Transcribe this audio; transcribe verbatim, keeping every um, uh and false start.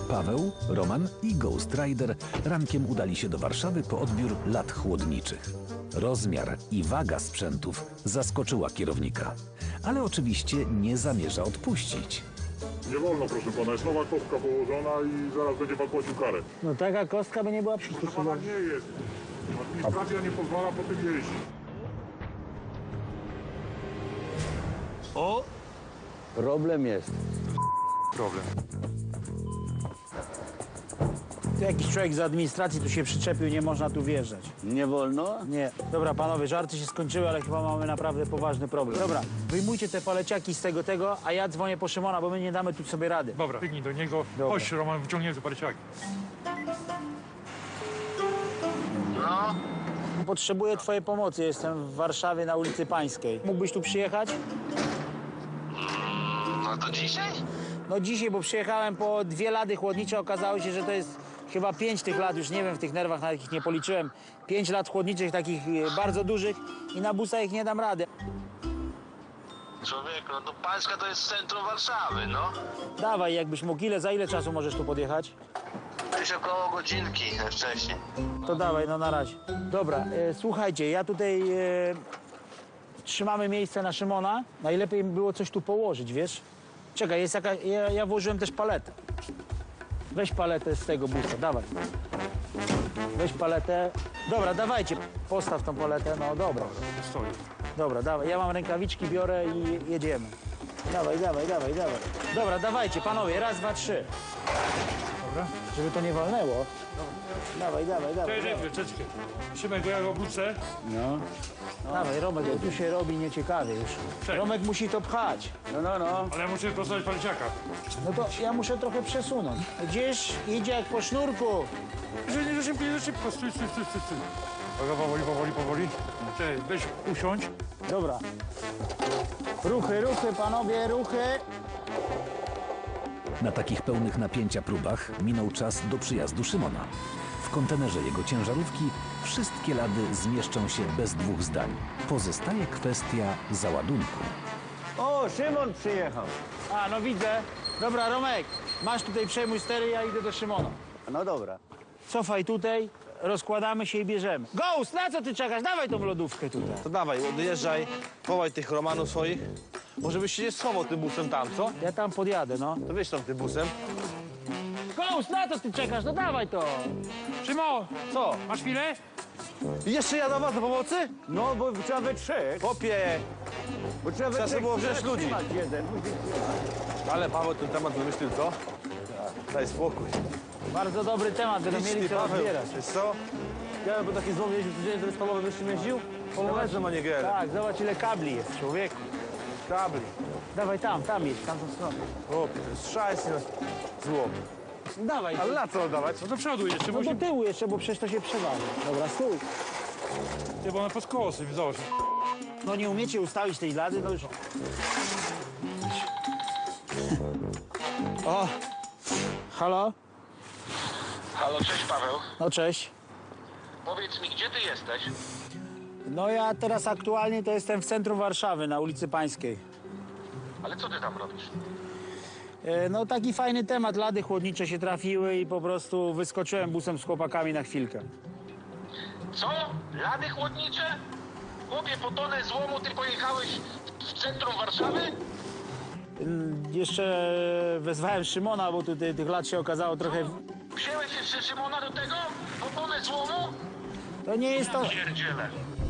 Paweł, Roman i Ghost Rider rankiem udali się do Warszawy po odbiór lat chłodniczych. Rozmiar i waga sprzętów zaskoczyła kierownika, ale oczywiście nie zamierza odpuścić. Nie wolno, proszę pana, jest nowa kostka położona i zaraz będzie pan płacił karę. No taka kostka by nie była Proszę pana, przystosowana. nie jest. Administracja nie pozwala po tym jeździć. O! Problem jest. Problem. Tu jakiś człowiek z administracji tu się przyczepił, nie można tu wjeżdżać. Nie wolno? Nie. Dobra, panowie, żarty się skończyły, ale chyba mamy naprawdę poważny problem. Dobra, wyjmujcie te paleciaki z tego, tego, a ja dzwonię po Szymona, bo my nie damy tu sobie rady. Dobra, biegnij do niego. Dobra. Chodź, Roman, wyciągniemy te parciaki. Potrzebuję twojej pomocy, jestem w Warszawie na ulicy Pańskiej. Mógłbyś tu przyjechać? No to dzisiaj? No dzisiaj, bo przyjechałem po dwie lady chłodnicze, okazało się, że to jest chyba pięć tych lat, już nie wiem, w tych nerwach nawet ich nie policzyłem. Pięć lat chłodniczych, takich e, bardzo dużych i na busa ich nie dam rady. Człowieku, no to Pańska to jest centrum Warszawy, no. Dawaj, jakbyś mógł, ile, za ile czasu możesz tu podjechać? Gdzieś około godzinki wcześniej. To dawaj, no na razie. Dobra, e, słuchajcie, ja tutaj e, trzymamy miejsce na Szymona. Najlepiej by było coś tu położyć, wiesz? Czekaj, jest jaka, ja, ja włożyłem też paletę. Weź paletę z tego busa, dawaj. Weź paletę. Dobra, dawajcie, postaw tą paletę, no dobra. Stoi. Dobra, dawaj, ja mam rękawiczki, biorę i jedziemy. Dawaj, dawaj, dawaj, dawaj. Dobra, dawajcie, panowie, raz, dwa, trzy. Dobra. Żeby to nie walnęło. Dawaj, dawaj, dawaj. Cześć, dawaj. czekaj. Szymek, bo ja go obrócę. No. Dawaj, Romek, bo tu się robi nieciekawie już. Cześć. Romek musi to pchać. No, no, no. Ale ja muszę postawić parciaka. No to ja muszę trochę przesunąć. Gdzieś idzie jak po sznurku. Że nie za szybko, nie za szybko. Stój, stój, stój, stój. stój. Uwaga, powoli, powoli, powoli. Cześć, weź usiądź. Dobra. Ruchy, ruchy, panowie, ruchy. Na takich pełnych napięcia próbach minął czas do przyjazdu Szymona. W kontenerze jego ciężarówki wszystkie lady zmieszczą się bez dwóch zdań. Pozostaje kwestia załadunku. O, Szymon przyjechał. A, no widzę. Dobra, Romek, masz tutaj przejmuj stery, ja idę do Szymona. No dobra. Cofaj tutaj, rozkładamy się i bierzemy. Ghost, na co ty czekasz? Dawaj tą lodówkę tutaj. To dawaj, odjeżdżaj, wołaj tych Romanów swoich. Może byś się nie schował tym busem tam, co? Ja tam podjadę, no. To wyjdź tam tym busem. Ghost, na co ty czekasz? No dawaj to. Szymon, Co? masz chwilę? I jeszcze ja do was do pomocy? No, bo trzeba we trzech. Popie! Bo trzeba we Trzeba trzech. było wziąć trzeba ludzi. trzymać jeden. Ale Paweł ten temat wymyślił, co? Daj spokój. Bardzo dobry temat, będą Idź mieli ty, co Paweł. rozbierać. Wiesz co? Ja bym taki złom jeździł codziennie, to z Pawłem jeszcze jeździł? Położę manierę. Tak, zobacz ile kabli jest, człowieku. Kabli. Dawaj tam, tam jedź, tamtą stronę. Popie, to jest szajsy na złom. Dawaj, Ale na co oddawać? No do przodu jeszcze, no bo do się... tyłu jeszcze, bo przecież to się przewali. Dobra, stój. Ty, bo ona pod skosem, zobacz. No nie umiecie ustawić tej lady, no już... O! Halo? Halo, cześć Paweł. No cześć. Powiedz mi, gdzie ty jesteś? No ja teraz aktualnie to jestem w centrum Warszawy, na ulicy Pańskiej. Ale co ty tam robisz? E, No taki fajny temat, lady chłodnicze się trafiły i po prostu wyskoczyłem busem z chłopakami na chwilkę. Co? Lady chłodnicze? Chłopie, po tonę złomu ty pojechałeś w centrum Warszawy? Mm, Jeszcze wezwałem Szymona, bo tutaj tych lat się okazało trochę... Wziąłeś jeszcze Szymona do tego? Po tonę złomu? To nie jest to... Pierdziele.